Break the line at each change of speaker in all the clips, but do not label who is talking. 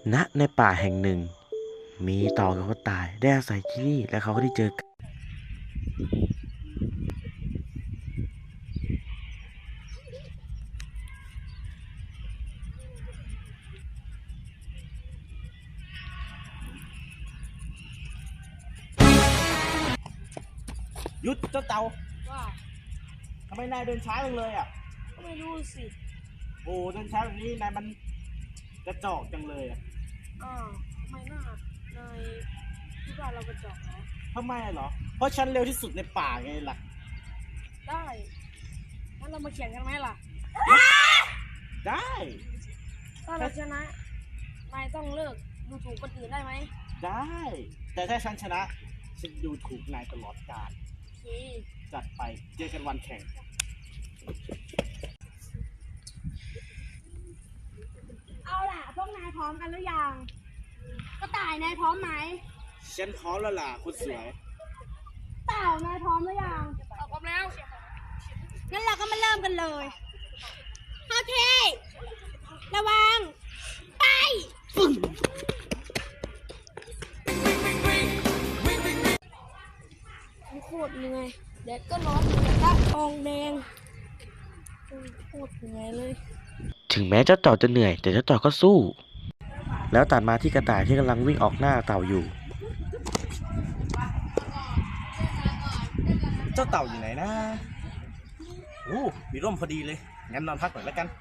ณในป่าแห่งหนึ่งมีต่อกับกระต่ายได้อาศัยที่นี่และเขาก็ได้เจอกัน
หยุดเจ้าเต่า
ว่า
ทำไมนายเดินช้าจังเลยอ่ะ
ก็ไม่รู้สิ
โอ้เดินช้าแบบนี้นายมันกระจอกจังเลยอ่ะ
ทำไมน่านายคิดว่าเรากระจอกเหรอ
ทำไมเหรอเพราะฉันเร็วที่สุดในป่าไงล่ะ
ได้งั้นเรามาแข่งกันไหมล่ะ
ได้
ถ้าเราชนะนายต้องเลิกดูถูกคนอื่นได้ไหม
ได้แต่ถ้าฉันชนะฉันดูถูกนายตลอดกาล
โอเค
จัดไปเจอกันวันแข่ง
เอาล่ะพวกนายพร้อมกันหรือยังกระต่ายนายพร้อมไหม
ฉันพร้อมแล้วล่ะคุณสวย
เต่านายพร้อมหรือยังพร้อมแล้วงั้นเราก็มาเริ่มกันเลยโอเคระวังไปโคตรเหนื่อยแดดก็ร้อนกระทะทองแดงโคตรเหนื่อยเลย
ถึงแม้เจ้าต่อจะเหนื่อยแต่เจ้าต่อก็สู้แล้วตัดมาที่กระต่ายที่กำลังวิ่งออกหน้าเต่าอยู่
เจ้าเต่าอยู่ไหนนะโอ้มีร่มพอดีเลยงั้นนอนพักหน่อยแล้วกัน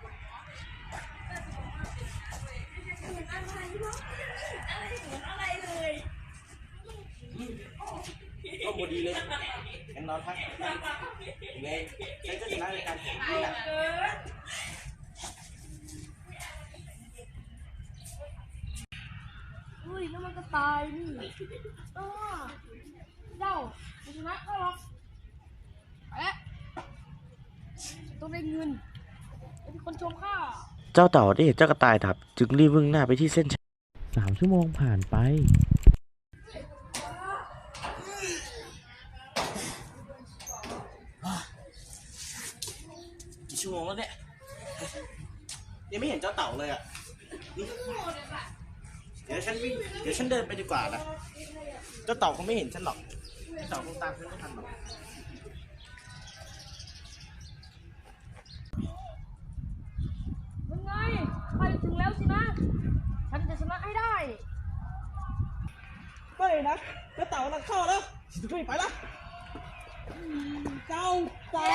ร่มพอดีเลยงั้นนอนพักยังไงฉันก็ชนะในการแข่งนี้แหละ
อุ้ยแล้วมันก็ตายนี่เจ้าชนะก็หรอกไปแล้วต้องได้เงินเป็นคนชมข้า
เจ้าเต่าได้เห็นเจ้ากระต่ายดับจึงรีบวิ่งหน้าไปที่เส้นชัย3 ชั่วโมงผ่านไป
กี่ชั่วโมงแล้วเนี่ยยังไม่เห็นเจ้าเต่าเลยอ่ะเดี๋ยวฉันเดินไปดีกว่านะเจ้าเต่าคงไม่เห็นฉันหรอกเจ้าเต่าคงตามฉันไม่ทันหรอก
ยังไงไปถึงแล้วสินะฉันจะชนะให้ได้
ไม่นะเจ้าเต่ากำลังเข้าแล้วฉันจะไปแล้วเจ้าเต่า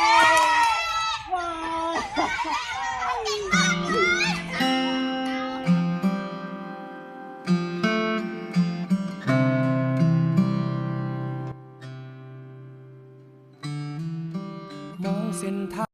ว้าวมองเส้นทาง